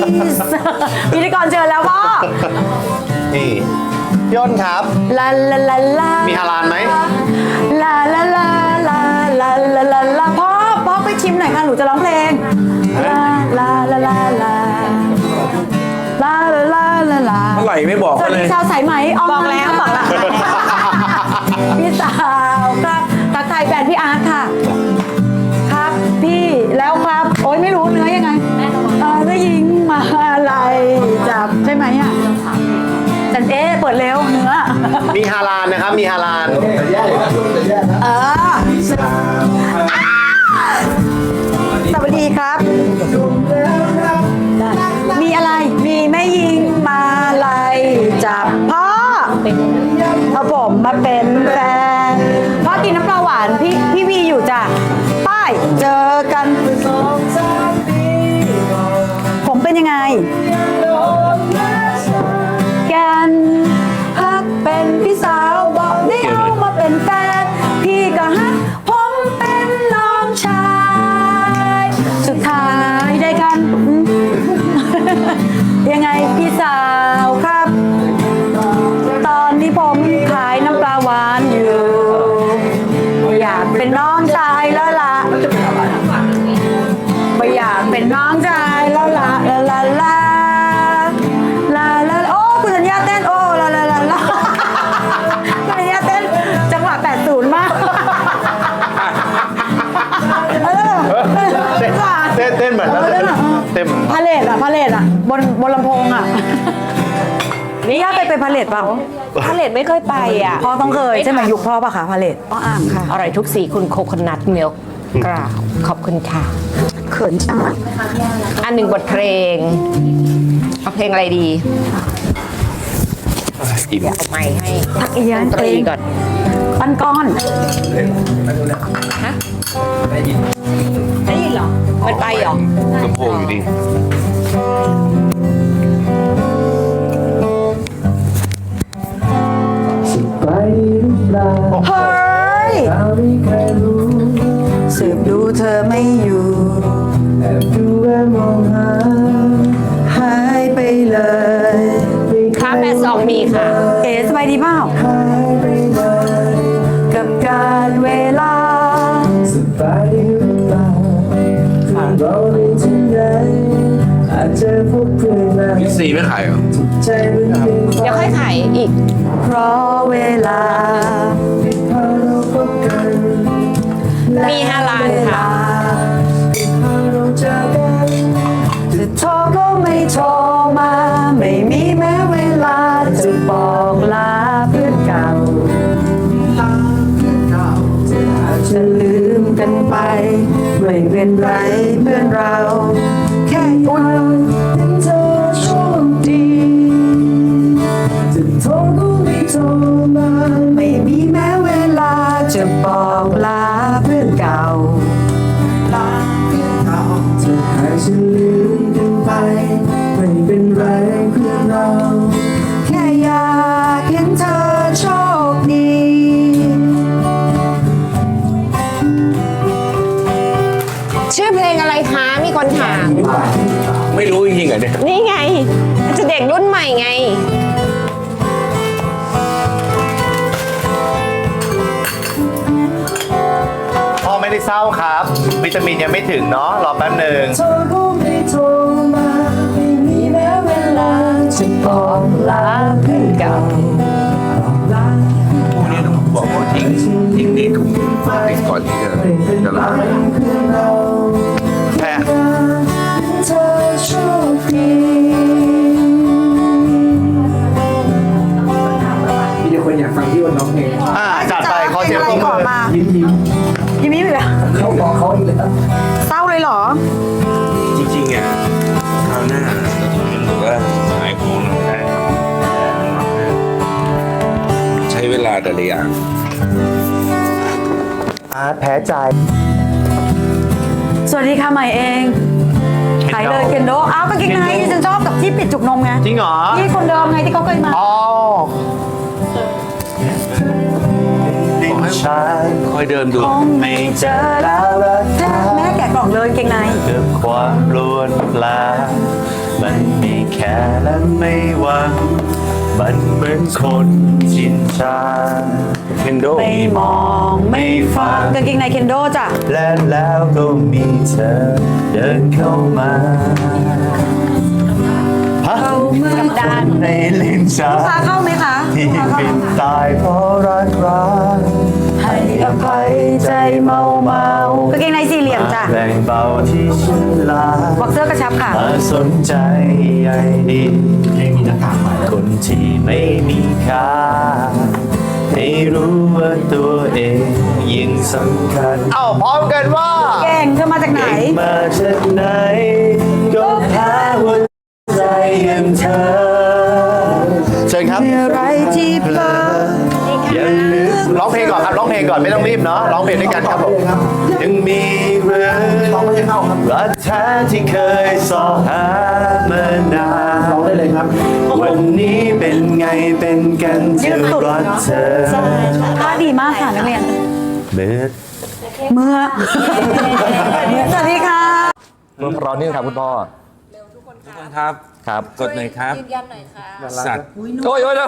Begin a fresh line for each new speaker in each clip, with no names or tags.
พิธีกรเชิญแล้วพ่อ
นี่พี่อ้นครับ
ลาลาลาลา
มีฮาลาลไหม
ลาลาลาลาลาลาลาลาพ่อไปชิมหน่อยค่ะหนูจะร้องเพลงลาลาลาลาลาลาลาลาลาลา
เมื่อไหร่ไม่บอก
สวัส
เล
ดี
ย
ชาวสายไหมบอกแล้วพี่สาวครับทักทายแฟนพี่อาร์ตค่ะ ครับพี่แล้วครับโอ๊ยไม่รู้เนื้อยังไงได้ยิงมาอะไรจับใช่ไหมอ่ะจันเปิดเร็วเนื้อ
มีฮาลาลนะครับ มีฮาลาล
เออสวัสดีครับ มีอะไร มีแม่ยิงมาไล่จับพ่อเอาผมมาเป็นแฟนพ่อกินน้ำปลาหวานพี่วีอยู่จ้ะป้ายเจอกันผมเป็นยังไงกันฮักเป็นพี่สาวบอกได้เอามาเป็นแฟนพี่ก็ฮักผมเป็นน้องชายสุดท้ายได้กัน ยังไงพี่สาวครับ ตอนที่ผมขายน้ำปลาหวานอยู่อยากเป็นน้องชายแล้วล่ะไม่อยากเป็นน้องชายแล้วล่ะลาลาลาลาลาโอ้คุณสัญญาเต้นโอ้ลาลาลาลาคุณสัญญาเต้นจังหวะ80มาก
เต้นเหมือนเต้น
พาเลทอ่ะบนลำโพงอ่ะนี่ย่าไปพาเลทเปล่า
พาเลตไม่เคยไปอ่ะ
พ่อต้องเคยใช่ไหมยุคพ่อปะคะพาเลทพ่ออ่างค่ะ
อร่อยทุกสีคุณโคคนัทมิลค์กราบขอบคุณค่ะ
เขินจัง
อันหนึ่งบทเพลง เอาเพลงอะไรดี
อิ่ม
เอาไม้ให้
ทักเอีย
ด
น
นตรีก่อน
ปั้นก้อน
ฮะได้ยินเหรอ มันไปเหรอ
ลำโพงอยู่ดี
เฮ้ยสืบดูเธอไม่อยู่หายไปเลย
ค่ะ82มีค่ะ
เอ๋สบายดีเปล่ากับการเวลา
มิกซีไม่ขายเหรอ
เดี๋ยวค่อยขายอีก
เพราะเวลา
มีฮาลาลค่ะ
จะโทรก็ไม่โทรมา ไม่มีแม้เวลาจะบอกลาเพื่อนเก่าจะลืมกันไป ไม่เป็นไรเพื่อนเรา แค่วันเป็นเธอโชคดีจะโทรก็ไม่โทรมา ไม่มีแม้เวลาจะบอกลาเพื่อนเก่าลาเพื่อนเก่าจะให้ฉันลืมกันไป ไม่เป็นไรเพื่อนเรา แค่อยากเห็นเธอโชคดี
ชื่อเพลงอะไรคะ มีคนถาม
ไม่รู้จริงๆเหรอเนี่ย
นี่ไง จะเด็กรุ่นใหม่ไง
พ่อไม่ได้เศร้าครับ วิตามินยังไม่ถึงเนาะ รอแป๊บหนึ่ง
โทรก็ไม่โทรมาไม่มีแม้เวลาจะบอกลาเพื่อนเก่า
พวกนี้ต้องบอกว่าทิ้งนี่ถุงทิ้งก่อนที่จะล้าง
แพ้
เธอโชคดี
มีแต่คนอยากฟังพี่วันร้องเพลง
จัดไปขอเสียงปรบมือ
ยิ้ม
ยิ้มอีกแล้ว
เขาบอกเขาอีกแล้ว
เศร้าเลยเหรอ
จริงๆอ่ะคราวหน้าหรือว่าหายของหน่อยได้ใช้เวลาแต่ละอย่าง
อาร์ตแพ้ใจ
สวัสดีค่ะใหม่เองขายเลยเคนโดอ้าวกางเกงในที่ฉันชอบกับที่ปิดจุกนมไง
จริงเหรอ
ที่คนเดิมไงที่เขาเคยมา
อ๋อ
บอกให้คอยเดินดู
คงไม่เจอแล้วแม่แกะกล่องเลยกางเกงใน
เกิดความรวนลามันไม่แค่และไม่หวังมันเหมือนคนชินชาเคนโด
ไม่มองไม่ฟังกางเกงในเคนโดจ้ะ
และแล้วก็มีเธอเดินเข้ามา
เ
ฮะ
ข้ากับดาน
ในลิ้นชา
พาเข้าไหมคะ
ที่เป็นตายเพราะรักให้อภัยใจเมาก
างเกงในสี่เหลี่ยมจ้ะ
แรงเบาที่ฉันลา
บอกเสื้อกระชับค่ะ
มาสนใจใยดีคนที่ไม่มีค่าให้รู้ว่าตัวเองยิ่งสำคัญเอาพร้อมกันว่า
เก่งเธอมาจากไหน
มาจากไหนก็แพ้หัวใจอย่างเธอเชิญครับ
อะไรที่เปิด
อย่าลืมร้องเพลงก่อนครับร้องเพลงก่อนไม่ต้องรีบเนาะร้องเพลงด้วยกันครับผมยังมีเรื่องรักแท้ที่เคยสอหามานานร้องได้เลยครับ วันนี้เป็นไงเป็นกันจะรักเธอ
ท่าดีมากค่ะนักเรียน
เมื่อ
เมื่อ สวัสดีค่ะ
รอนี่ครับคุณพ่อ
ทุกคนครับ
ครับ
กดหน่อยครับ
ยืนยันหน่อยค่ะ
สัตว์
โอ้ยรอ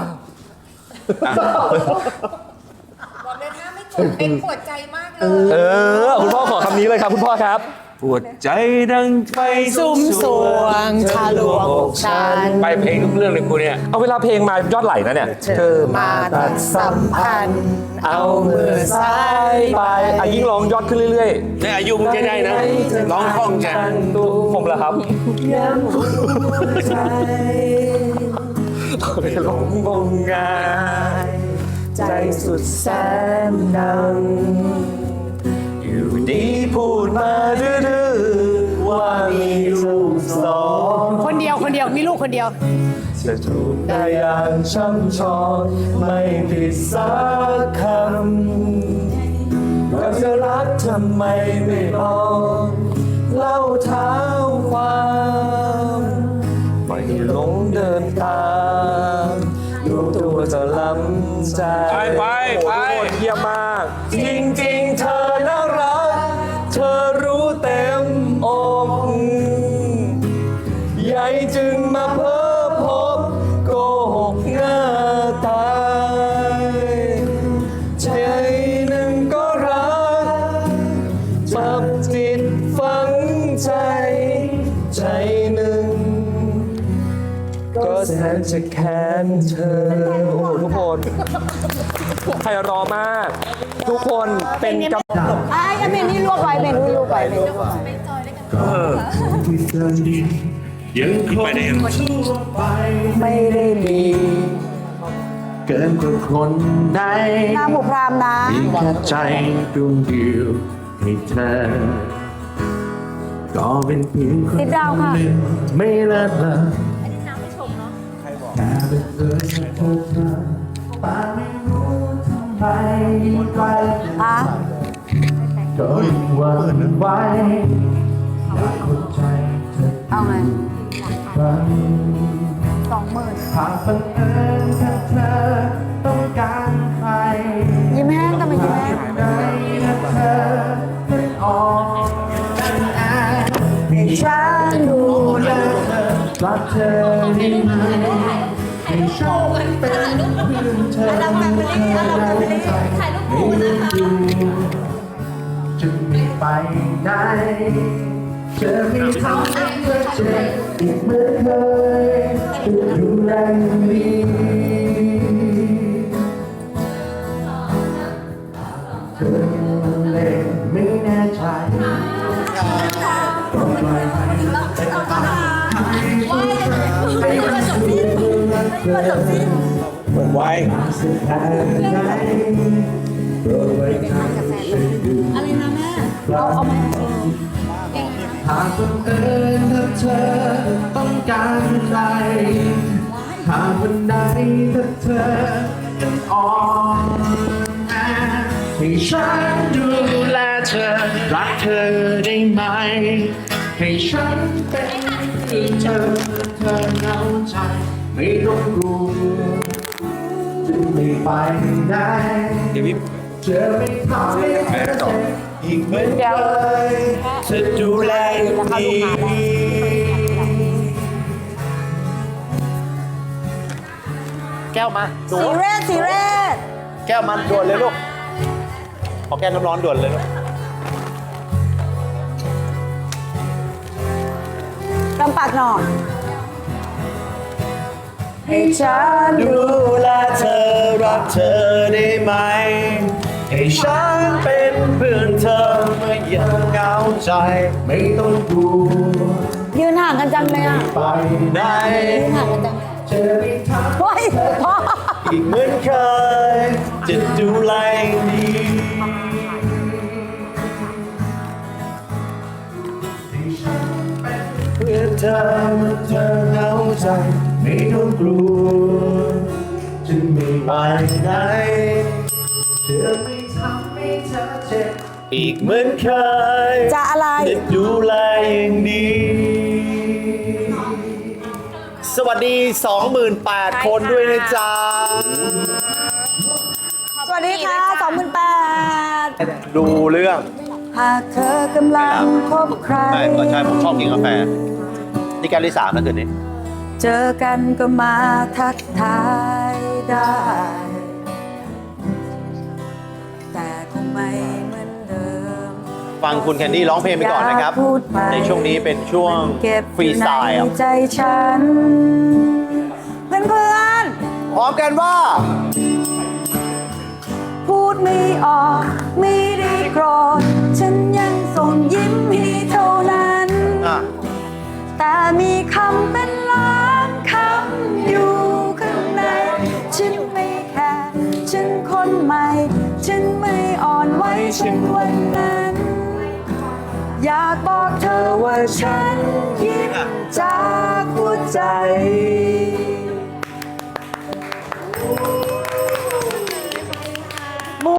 บอกเลยนะไม่กดเป็นปวดใจมากเลย
คุณพ่อขอคำนี้เลยครับคุณพ่อครับ
ปวดใจดังไฟ
สุมสวงทะลวงอกฉัน
ไปเพลงทุกเรื่องเลยกูเนี่ย
เอาเวลาเพลงมายอดไหลนะเนี่ย
เธอมาตัดสัมพันธ์ เอามือซ้าย
ไปยิ่งร้องยอดขึ้นเรื่อย
ในอายุมึงจะได้นะ ร้องคล่องจัง
ๆผมเหรอครับ
ย้ำหัวใจ
หลงงมงาย
ใจสุดแสนดัง
อยู่ดีพูดมาดื้อๆว่ามีลูกสอง
คนเดียวมีลูกคนเดียว
จะถูกได้อย่างช่ำชองไม่ผิดสักคำว่าจะรักทำไมไม่บอกเล่าเท้าความไม่หลงเดินตามรู้ตัวจะล้ำใจ
ไป
โอ้โหเยี่ยมมาก
จริงๆเธอน่ารัก เธอรู้เต็มอกใหญ่จึงมาเพ้อพบโกหกหน้าตายใจหนึ่งก็รักจับจิตฝังใจ ใจหนึ่งก็แสนจะแค้นเธอ
โอ้โหทุกคนไพเราะมาก ทุกคนเป็นกำลัง
ไอ้เมนี่รวบไว้เมนี่รวบไว้เมนี่รวบไว้
ยังคงไปได้ยัง
ไม่ได้มี
เกินกว่าคนใด
หน้าผูกพรามนะ
มีแค่ใจดวงเดียวให้เธอ ก็เป็นเพียงคน
ติดดาวค่ะ
หนึ่งไม่เลิศเลอ
อันนี้น้ำไม่ชมเนาะ
แต่เป็นเอิญเธอเธอป้าไม่รู้ทำไมไกล
อ่ะ
ก็ยิ่งหวั่นไหวอยากเข้าใจเธอ
เอาไง
ครั้ง
20,000
หากบังเอิญแค่เธอต้องการใคร
ยิ้มแห้งแต่ไม่ยิ้มแห้ง
ในเธอเป็นออกกันอา
ให้ฉันดูแล
รักเธอได้ไหมให้ฉันเป็นเพื่อนเธอเธอได้ใจไม่รู้อยู่จะไม่ไปไหนจะไม่ทำให้เธอเจ็บอีกเหมือนเคยจะดูแลอย่างดีเธอยังเล่นไม่แน่ใจก็ปล่อยให้เป็นไปให้มันสุดเกิน
เปิดไว้
สุดท้ายไหนโปรดไว้ใจฉันดู
อะไรนะแม่
หากบังเอิญถ้าเธอต้องการใครหากวันใดถ้าเธอต้องอ่อนแอให้ฉันดูแลเธอรักเธอได้ไหมให้ฉันเป็นเพื่อนเธอเธอเหงาใจไม่ต้องกลัวจะไม่ไปไหน
เดี๋ยวพี่
เธอไม่ทำให้เธอเจ็บอีกเหมือนเคยจะดูแลอย่างดี
ก้วมาหนู
สีเรศสีเรศ
แก้วมันด่วนเลยลูกขอแก้วน้ำร้อนด่วนเลยลูก
ลำปากหน่อย
ให้ฉัน
ดูแลเธอรักเธอได้ไหม ให้ฉันเป็นเพื่อนเธอเมื่อยังเหงาใจ ไม่ต้องกลัว
ยืนห่างกันจังเลยอ่ะ
ไปไหน
ยืนห่างกันจัง
จะไม่ท
เฮ้ยพ่อ
ำอีกเหมือนเคย จะดูแลดีให้ฉันเป็นเพื่อนเธอเมื่อเธอเหงาใจ ไม่ต้องกลัวจะไม่ไปไหนจะไม่ทำให้เธอเจ็บอีกเหมือนเคย
จะอะไร
จะดูแลอย่างดี สวัสดี 28,000 คนด้วยนะจ๊ะ
สวัสดีค่ะ28,000
ดูเรื่อง
หากเธอกำลังพบใคร
ไม่ก็ใช่ผมชอบกินกาแฟนี่แก้วที่3แล้วคืนนี้
เจอกันก็มาทักทายได้ แต่คงไม่เหมือนเดิม
ฟังคุณแคนดี้ร้องเพลงไปก่อนนะครับ
อยากพูดไป
ในช่วงนี้เป็นช่วง
เก็บ
ฟรีสไตล์
อยู่ในใจฉัน เพื่อน
พร้อมกันว่า
ๆพูดไม่ออกไม่ได้โกรธฉันยังส่งยิ้มให้เท่านั้น
อ่ะ
แต่มีคำเป็นล้านคำอยู่ข้างในฉันไม่แคร์ฉันคนใหม่ฉันไม่อ่อนไหวฉันวันนั้น อยากบอกเธอว่าฉันยิ้มจากหัวใจ